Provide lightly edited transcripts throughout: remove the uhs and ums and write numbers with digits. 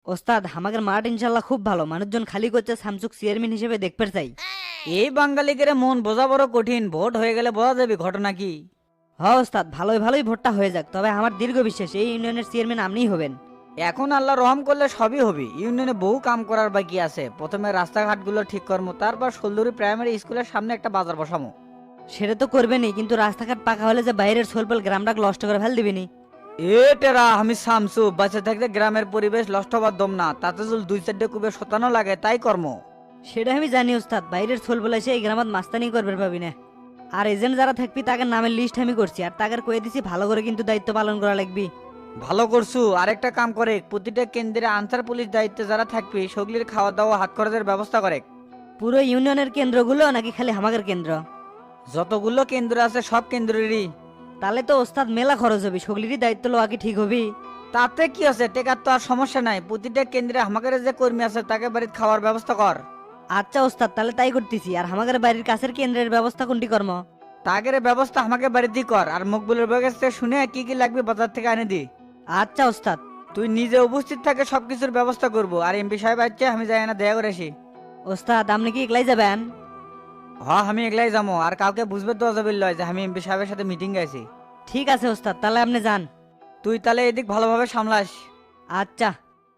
ওস্তাদ আমাদের মাঠ ইনশাল্লাহ খুব ভালো, মানুষজন খালি করছে, সামসুক চেয়ারম্যান হিসেবে দেখতে চাই। এই বাঙালিকে মন বোঝা বড় কঠিন, ভোট হয়ে গেলে বোঝা যাবে ঘটনা কি। হ্যাঁ ওস্তাদ, ভালোই ভালোই ভোটটা হয়ে যাক, তবে আমার দীর্ঘ বিশ্বাস এই ইউনিয়নের চেয়ারম্যান আপনিই হবেন। এখন আল্লাহ রহম করলে সবই হবে। ইউনিয়নে বহু কাম করার বাকি আছে। প্রথমে রাস্তাঘাটগুলো ঠিক করবো, তারপর সোলদুরি প্রাইমারি স্কুলের সামনে একটা বাজার বসামো। সেটা তো করবেনই, কিন্তু রাস্তাঘাট পাকা হলে যে বাইরের সোলপল গ্রামটা নষ্ট করে ফেল দিবিনি। এ টেরা, আমি শামসু, বাঁচে থাকতে গ্রামের পরিবেশ নষ্ট হবার দম না। তাতে যদি দুই চারটে কুবে শতানো লাগে তাই কর্ম। সেটা আমি জানি ওস্তাদ, বাইরের সোলপল এসে এই গ্রামত মাস্তানি করবে পাবি না। আর এজেন্ট যারা থাকবি তাদের নামের লিস্ট আমি করছি, আর তাকে কয়ে দিছি ভালো করে কিন্তু দায়িত্ব পালন করা লাগবি। ভালো করছু। আরেকটা কাম করে, প্রতিটা কেন্দ্রে আনসার পুলিশ দায়িত্বে যারা থাকবে সেগুলির খাওয়া দাওয়া হাত খরচের ব্যবস্থা করে। পুরো ইউনিয়নের কেন্দ্রগুলো নাকি খালি আমাদের কেন্দ্র? যতগুলো কেন্দ্র আছে সব কেন্দ্রেরই। তাহলে তো ওস্তাদ মেলা খরচ হবে, সগলিরই দায়িত্ব লওয়া কি ঠিক হবি? তাতে কি আছে, টেকার তো আর সমস্যা নাই। প্রতিটা কেন্দ্রে আমাদের যে কর্মী আছে তাকে বাড়িতে খাওয়ার ব্যবস্থা কর। আচ্ছা ওস্তাদ, তাহলে তাই করতেছি। আর আমাদের বাড়ির কাছের কেন্দ্রের ব্যবস্থা কোনটি কর্ম? তাগের ব্যবস্থা আমাকে বাড়িতেই কর। আর মকবুলের কাছ থেকে শুনে কি কি লাগবে বাজার থেকে এনে দি। আচ্ছা ওস্তাদ। তুই নিজে উপস্থিত থাকে সবকিছুর ব্যবস্থা করবো। আর এমপি সাহেব আছে, আমি যাই না দেখা করে আসি। ওস্তাদ আপনি কি একলাই যাবেন? হ্যাঁ, আমি একলাই যাবো। আর কাউকে বুঝবে তো যাবে লয় যে আমি এমপি সাহেবের সাথে মিটিং গেছি। ঠিক আছে ওস্তাদ, তাহলে আপনি যান। তুই তাহলে এদিক ভালোভাবে সামলাস। আচ্ছা।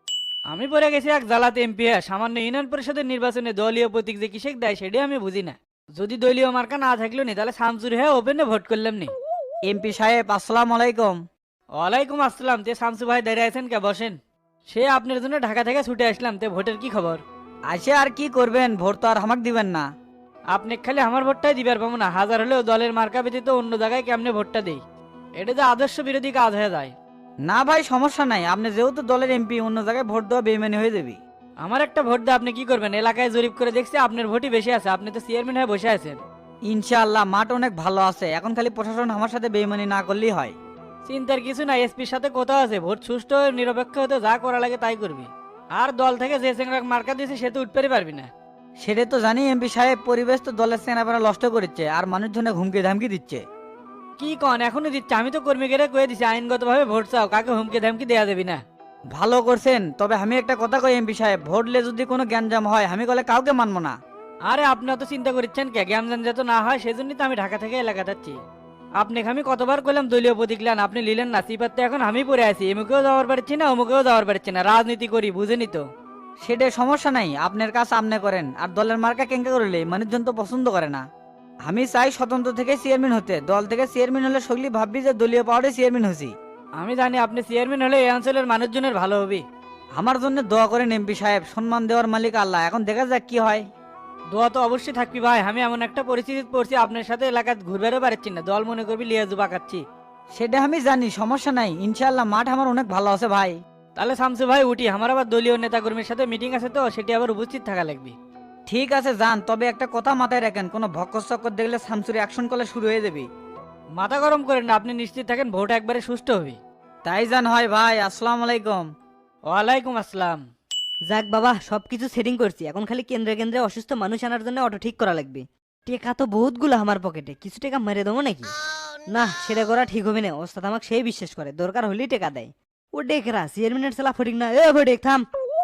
আমি পড়ে গেছি এক জ্বালাতে এমপি সামান্য ইউনিয়ন পরিষদের নির্বাচনে দলীয় প্রতীক যে কিসেক দেয় সেটাই আমি বুঝি না। যদি দলীয় মার্কা না থাকলো নি তাহলে শামসুর হয়ে ওপেনে ভোট করলাম নি। এমপি সাহেব, আসসালামু আলাইকুম। ওয়ালাইকুম আসসালাম। তে শামসু ভাই দাঁড়িয়ে আছেন কে? বসেন। সে আপনার জন্য ঢাকা থেকে ছুটে আসলাম। তে ভোটের কি খবর? আসে আর কি করবেন, ভোট তো আর আমাকে দিবেন না। আপনি খালি আমার ভোটটাই দিবার পাবো না, হাজার হলেও দলের মার্কা ব্যতীত অন্য জায়গায় কেমনে ভোটটা দেই? এটা যে আদর্শ বিরোধী কাজ হয়ে যায়। না ভাই, সমস্যা নাই। আপনি যেহেতু দলের এমপি, অন্য জায়গায় ভোট দেওয়া বেইমানি হয়ে যাবে। আমার একটা ভোট দিয়ে আপনি কি করবেন? এলাকায় জরিপ করে দেখছি আপনার ভোটই বেশি আছে, আপনি তো চেয়ারম্যান হয়ে বসে আছেন। ইনশাআল্লাহ মাঠ অনেক ভালো আছে। এখন খালি প্রশাসন আমার সাথে বেইমানি না করলেই হয়। চিন্তার কিছু নাই, এসপির সাথে কথা আছে, ভোট সুষ্ঠু ও নিরপেক্ষ হতে যা করা লাগে তাই করবি। আর দল থেকে যে চেংরা মার্কা দিয়েছে সে তো উঠতে পারবি না। সেটা তো জানি এমপি সাহেব, পরিবেশ তো দলের সেনাপেরা নষ্ট করেছে আর মানুষজনে হুমকি ধামকি দিচ্ছে। কি কন এখনই দিচ্ছে? আমি তো কর্মীকে কয়ে দিছি আইনগত ভাবে ভোট চাও, কাকে হুমকি ধামকি দেওয়া যাবি না। ভালো করছেন। তবে আমি একটা কথা কই এমপি সাহেব, ভোটলে যদি কোনো গ্যাঞ্জাম হয় আমি বলে কাউকে মানবো না। আরে আপনি অত চিন্তা করছেন কে? জ্ঞান যাতে না হয় সেজন্যই তো আমি ঢাকা থেকে এলাকা যাচ্ছি। আপনাকে আমি কতবার করলাম দলীয় প্রতীক নেন, আপনি নিলেন না। সিপাতে এখন আমি পড়ে আছি, এমুকেও যাওয়ার পারছি না অমুকেও যাওয়ার পারছি না। রাজনীতি করি, বুঝেনি তো? সেটা সমস্যা নাই, আপনার কাজ আপনি করেন। আর দলের মার্কা কেঙ্কা করলে মানুষজন তো পছন্দ করে না। আমি চাই স্বতন্ত্র থেকে চেয়ারম্যান হতে। দল থেকে চেয়ারম্যান হলে সগলি ভাববি যে দলীয় পাওয়ারে চেয়ারম্যান হছি। আমি জানি আপনি চেয়ারম্যান হলে এই অঞ্চলের মানুষজনের ভালো হবে। আমার জন্য দোয়া করেন এমপি সাহেব। সম্মান দেওয়ার মালিক আল্লাহ, এখন দেখা যাক কি হয়। দোয়া তো অবশ্যই থাকবি ভাই। আমি এমন একটা পরিস্থিতি পড়ছি আপনার সাথে এলাকায় ঘুরবেরও পারছি না, দল মনে করবি লিয়াজু পাকাচ্ছি। সেটা আমি জানি, সমস্যা নাই। ইনশাআল্লাহ মাঠ আমার অনেক ভালো আছে ভাই। তাহলে শামসু ভাই উঠি, আমার আবার দলীয় নেতাকর্মীর সাথে মিটিং আছে তো সেটি আবার উপস্থিত থাকা লাগবে। ঠিক আছে যান, তবে একটা কথা মাথায় রাখেন, কোনো ভক্কর চক্কর দেখলে সামসুরি অ্যাকশন করলে শুরু হয়ে যাবে। মাথা গরম করেন না, আপনি নিশ্চিত থাকেন ভোট একবারে সুষ্ঠু হবে। তাই জান হয় ভাই। আসসালামু আলাইকুম। ওয়ালাইকুম আসসালাম। যাক বাবা, সবকিছু সেটিং করছি, এখন খালি কেন্দ্রে কেন্দ্রে অসুস্থ মানুষ আনার জন্য অটো ঠিক করা লাগবে। টেকা তো বহুতগুলো আমার পকেটে, কিছু টাকা মেরে দেবো নাকি? না, সেটা করা ঠিক হবে না। ওস্তাদ আমাকে সেই বিশ্বাস করে, দরকার হলেই টাকা দেয়। ও ডেকরা চেয়ারম্যানের চালা ফটিক না। এ ফটিক থাম।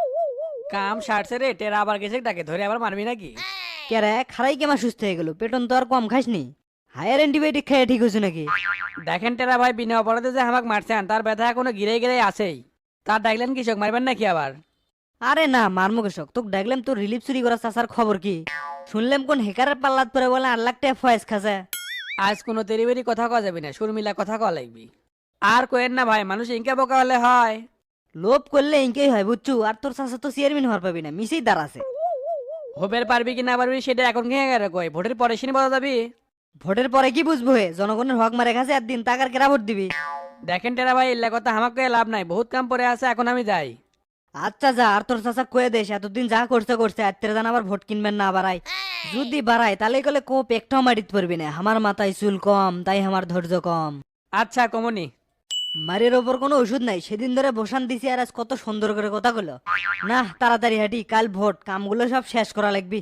কাম সারছে রে, টেরা আবার গেছে, তাকে ধরে আবার মারবি নাকি? কেরে খারাই কেমা সুস্থ হয়ে গেল? পেটন তো আর কম খাসনি? হায়ার অ্যান্টিবায়োটিক খেয়ে ঠিক হয়েছে নাকি? দেখেন টেরা ভাই, বিনা অপরাধে যে আমাকে মারছেন তার ব্যথা এখনো গিরে গিরে আছেই। তার ডাকলেন কৃষক মারবেন নাকি আবার? আরে না, মারমু কৃষক। তোকে দেখলাম তোর রিলিফ চুরি করা চাচার খবর কি? শুনলাম কোন হেকারের পাল্লাত পরে বলে 8 লাখ টাকা ফয়েজ খাসে। আজ কোনো তেরিবেরি কথা কওয়া যাবে না, শর্মিলা কথা কওয়া লাগবি। আর কোয়েন না ভাই, মানুষ ইনকে বোকা হলে হয়। লোভ করলে ইনকেই হয় বুঝছু। আর তোর চাচা তো চেয়ারম্যান হওয়ার পাবি না, মিসেই দাঁড়াছে। হবের পারবি কি না পারবি সেটা এখন খেয়ে গেলে কই, ভোটের পরে সিনি বলা যাবি। ভোটের পরে কি বুঝবো? হে জনগণের হক মারে খাসে একদিন, তাকার কেরা ভোট দিবি? দেখেন টেরা ভাই, এল্লা কথা আমাকে লাভ নাই, বহুত কাম পড়ে আছে, এখন আমি যাই। আচ্ছা যা। আর তোর চাচা কয়ে দেশ এতদিন যা করছে করছে, আত্মীয় জান আবার ভোট কিনবেন না বাড়াই। যদি বাড়ায় তাহলে কলে কোপ একটাও মারিত পারবি না। আমার মাথায় চুল কম, তাই আমার ধৈর্য কম। আচ্ছা কমনি। মারের ওপর কোনো ওষুধ নাই। সেদিন ধরে বসান দিছি আর আজ কত সুন্দর করে কথা গুলো। না, তাড়াতাড়ি হাঁটি, কাল ভোট, কামগুলো সব শেষ করা লাগবি।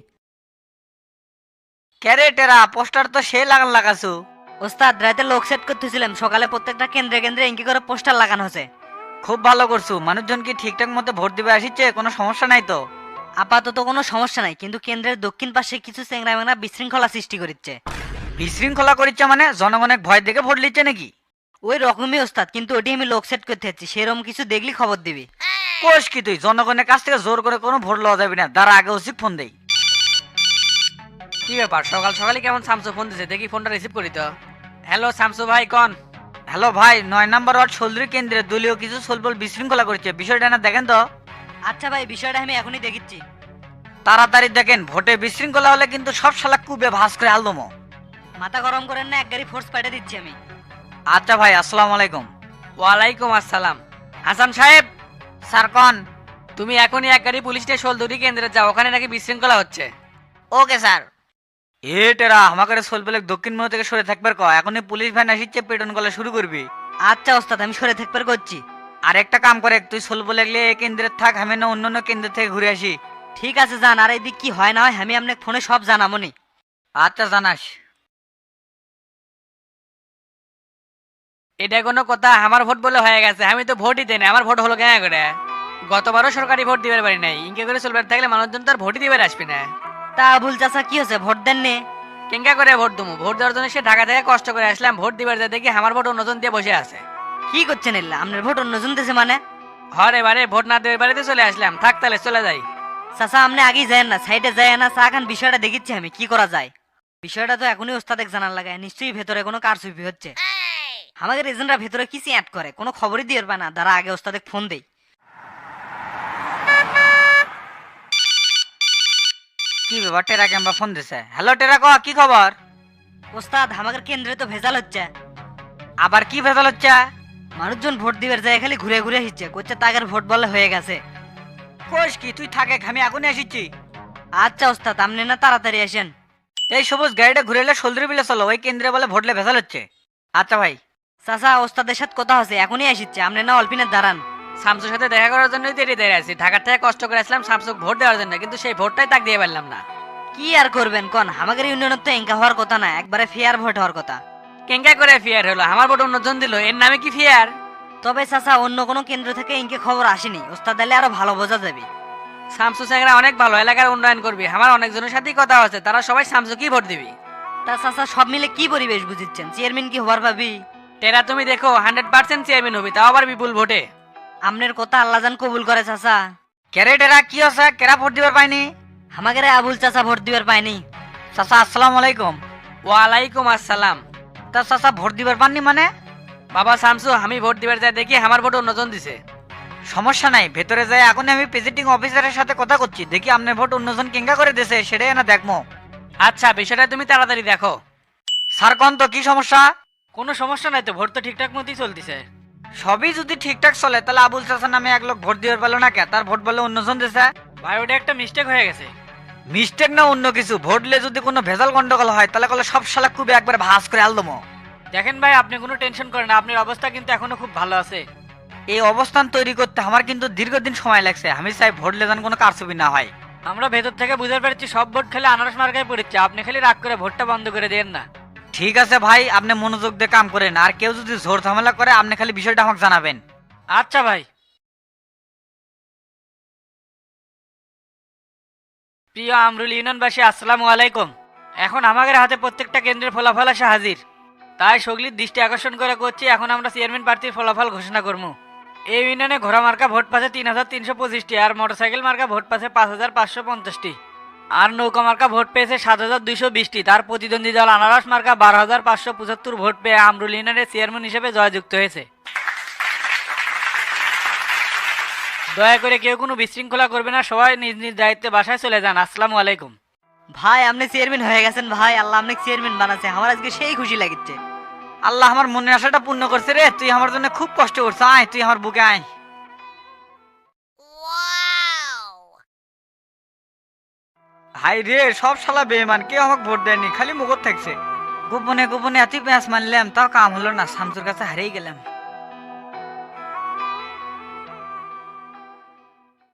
ক্যারে টেরা, পোস্টার তো সে লাগান লাগাছু। ওস্তাদ রাতে লোক সেট করতেছিলাম, সকালে প্রত্যেকটা কেন্দ্রে কেন্দ্রে ইঙ্কি করে পোস্টার লাগানো হয়েছে। খুব ভালো করছো। মানুষজন কি ঠিকঠাক মতো ভোট দিবে আসিচ্ছে? কোনো সমস্যা নাই তো? আপাতত কোনো সমস্যা নাই, কিন্তু কেন্দ্রের দক্ষিণ পাশে কিছু চেংরা মেংরা বিশৃঙ্খলা সৃষ্টি করছে। বিশৃঙ্খলা করিচ্ছে মানে জনগণের ভয় দেখে ভোট লিচ্ছে নাকি? ওই রকমই ওস্তাদ, কিন্তু ওটি আমি লোক সেট করতে যাচ্ছি, সেরকম কিছু দেখলি খবর দিবি। কোষ কি তুই? জনগণের কাছ থেকে জোর করে কোনো ভোট লওয়া যাবে না, তার আগে উচিত ফোন দেই। কি ব্যাপার, সকাল সকালে কেমন শামসু ফোন দিছে? দেখি ফোনটা রিসিভ করি তো। হ্যালো শামসু ভাই, কন? হ্যালো ভাই, 9 নম্বর ওয়ার্ড সোলদুরি কেন্দ্রে দলীয় কিছু সোলবল বিশৃঙ্খলা করছে, বিষয়টা না দেখেন তো। আচ্ছা ভাই, বিষয়টা আমি এখনই দেখিচ্ছি। তাড়াতাড়ি দেখেন, ভোটে বিশৃঙ্খলা হলে কিন্তু সব শালা কুবে ভাস করে আলদমো। মাথা গরম করেন না, এক গাড়ি ফোর্স পাঠিয়ে দিচ্ছি আমি। আচ্ছা ভাই, আসসালামু আলাইকুম। ওয়ালাইকুম আসসালাম। হাসান সাহেব, স্যার কন। তুমি এখনই এক গাড়ি পুলিশ স্টেশন দড়ি কেন্দ্রে যাও, ওখানে নাকি বিশৃঙ্খলা হচ্ছে। Okay sir. এটেরা আমাকে সোলবলে দক্ষিণ মোড় থেকে সরে থাকবার ক, এখনই পুলিশ ভ্যান আসিচ্ছে, পেটন গলা শুরু করবি। আচ্ছা ওস্তাদ, আমি সরে থাকবার করছি। আর একটা কাম করে, তুই সোলবলে গেলে এই কেন্দ্রে থাক, আমি না অন্য কেন্দ্র থেকে ঘুরে আসি। ঠিক আছে যান, আর এদিক কি হয় না হয় আমি আপনাকে ফোনে সব জানাবনি। আচ্ছা জানাস। এটা কোনো কথা? আমার ভোট বলে হয়ে গেছে, আমি তো ভোটই দেই না, আমার ভোট হলো কেন করে? গতবারও সরকারি ভোট দিবার পারি নাই, ইনকে করে চলবার থাকলে মানুষজন তো আর ভোটই দিবার আসবে না। তা আবুল চাচা কি হচ্ছে, ভোট দেন নে? কেঙ্কা করে ভোট দেবো? ভোট দেওয়ার জন্য সে ঢাকা থেকে কষ্ট করে আসলাম, ভোট দিবার যা দেখি আমার ভোট অন্যজন দিয়ে বসে আছে। কি করছেন এল্লা, আপনার ভোট অন্যজন দেশে মানে? হরে বারে ভোট না দেওয়ার বাড়িতে চলে আসলাম, থাক তাহলে চলে যাই। চাচা আপনি আগেই যায় না, সাইডে যায় না, চা খান, বিষয়টা দেখিচ্ছি আমি কি করা যায়। বিষয়টা তো এখনই ওস্তাদেক জানার লাগে, নিশ্চয়ই ভেতরে কোনো কারচুপি হচ্ছে। আমাদের এজেন্টরা ভেতরে কিছু অ্যাড করে, কোনো খবরই দিয়ে পায় না, তারা আগে ওস্তাদেক ফোন দেই। কি ব্যাপার, টেরা কেমবা ফোন দিছে? হ্যালো টেরা, ক কি খবর? ওস্তাদ আমাদের কেন্দ্রে তো ভেজাল হচ্ছে। আবার কি ভেজাল হচ্ছে? মানুষজন ভোট দিবার যায় খালি ঘুরে ঘুরে আসছে, করছে তাগের ভোট বলে হয়ে গেছে। কোষ কি তুই থাকে, আমি এখনই আসিচ্ছি। আচ্ছা ওস্তাদ, আপনি না তাড়াতাড়ি আসেন। এই সবুজ গাড়িটা ঘুরে এলে সোলদুরি বিলে চলো, ওই কেন্দ্রে বলে ভোটলে ভেজাল হচ্ছে। আচ্ছা ভাই। চাচা ওস্তাদের সাথে কথা হচ্ছে, এখনই আসিচ্ছে, আপনি না অল্পিনের দাঁড়ান। শামসুর সাথে দেখা করার জন্যই তো এটি দাঁড়িয়ে আছি, ঢাকার থেকে কষ্ট করে আসলাম শামসুক ভোট দেওয়ার জন্য, কিন্তু সেই ভোটটাই তাক দিয়ে পারলাম না। কি আর করবেন কন, আমাদের ইউনিয়নের তো এঙ্কা হওয়ার কথা না, একবারে ফেয়ার ভোট হওয়ার কথা। কেঙ্কা করে ফিয়ার হলো? আমার ভোট অন্যজন দিল, এর নামে কি ফিয়ার? তবে চাচা অন্য কোনো কেন্দ্র থেকে ইনকে খবর আসেনি, ওস্তাদ দিলে আরো ভালো বোঝা যাবে। শামসু স্যাংরা অনেক ভালো, এলাকার উন্নয়ন করবি, আমার অনেকজনের সাথেই কথা আছে, তারা সবাই শামসু কি ভোট দিবি। তা চাচা সব মিলে কি পরিবেশ বুঝিচ্ছেন, চেয়ারম্যান কি হবার ভাবি? টেরা তুমি দেখো 100% চেয়ারম্যান হবি, তাও আবার বিপুল ভোটে। আমনের কথা আল্লাহ জান কবুল করে চাচা। কেরে টেরা কি হচ্ছে? কেরা ভোট দিবার পাইনি? আমাদের আবুল চাচা ভোট দিবার পায়নি। চাচা আসসালামু আলাইকুম। ওয়ালাইকুম আসসালাম। তা চাচা ভোট দিবার পাননি মানে? বাবা শামসু, আমি ভোট দিবার যাই দেখি আমার ভোট অন্যজন দিছে। সমস্যা নাই, ভেতরে যাই, এখন আমি প্রেসিডিং অফিসারের সাথে কথা করছি, দেখি আপনার ভোট অন্যজন কেঙ্গা করে দিয়েছে সেটাই না দেখবো। আচ্ছা, বিষয়টা তুমি তাড়াতাড়ি দেখো। স্যার কোন তো কি সমস্যা? কোনো সমস্যা নাই তো, ভোট তো ঠিকঠাক মতোই চলতেছে। সবই যদি ঠিকঠাক চলে তাহলে আবুল চাচা নামে এক লোক ভোট দিবার পারলো না কে? তার ভোট বলে অন্যজন দিয়েছে। ভাই ওটা একটা মিস্টেক হয়ে গেছে। মিস্টেক না অন্য কিছু, ভোটলে যদি কোনো ভেজাল গন্ডগোল হয় তাহলে কলে সব শালা খুবই একবার ভাস করে আলদমো। দেখেন ভাই, আপনি কোনো টেনশন করেন না, আপনার অবস্থা কিন্তু এখনো খুব ভালো আছে। এই অবস্থান তৈরি করতে আমার কিন্তু দীর্ঘদিন সময় লাগছে, আমি চাই ভোটলে যেন কোনো কারচুপি না হয়। আমরা ভেতর থেকে বুঝতে পারছি সব ভোট খালি আনারস মার্কায় পড়েছে, আপনি খালি রাগ করে ভোটটা বন্ধ করে দেন না। ঠিক আছে ভাই, আপনি মনোযোগ দিয়ে কাম করেন, আর কেউ যদি জোর ঝামেলা করে আপনি খালি বিষয়টা আমাকে জানাবেন। আচ্ছা ভাই। প্রিয় আমরুল ইউনিয়নবাসী, আসসালামু আলাইকুম। এখন আমাদের হাতে প্রত্যেকটা কেন্দ্রের ফলাফল আসা হাজির, তাই সগলির দৃষ্টি আকর্ষণ করে করছি, এখন আমরা চেয়ারম্যান প্রার্থীর ফলাফল ঘোষণা করবো। এই ইউনিয়নে ঘোড়া মার্কা ভোট পাচ্ছে 3325টি, আর মোটরসাইকেল মার্কা ভোট পাচ্ছে 5550টি, আর নৌকা মার্কা ভোট পেয়েছে 7220টি। তার প্রতিদ্বন্দ্বী দল আনারস মার্কা 12575 ভোট পেয়ে আমরুল ইউনিয়নের চেয়ারম্যান হিসেবে জয়যুক্ত হয়েছে। দয়া করে কেউ কোনো বিশৃঙ্খলা করবে না, সবাই নিজ নিজ দায়িত্বে বাসায় চলে যান। আসসালামু আলাইকুম। ভাই আপনি চেয়ারম্যান হয়ে গেছেন ভাই, আল্লাহ আপনাকে চেয়ারম্যান বানাচ্ছে, আমার আজকে সেই খুশি লাগিচ্ছে। আল্লাহ আমার মনের আশাটা পূর্ণ করছে রে, তুই আমার জন্য খুব কষ্ট করছিস, আয় তুই আমার বুকে আয়। হাই রে, সব শালা বেঈমান, কেউ আমাকে ভোট দেয়নি, খালি মুখত থাকছে। গোপনে গোপনে এত পেঁয়াজ মানলাম, তাও কাম হলো না, শামসুর কাছে হারিয়ে গেলাম।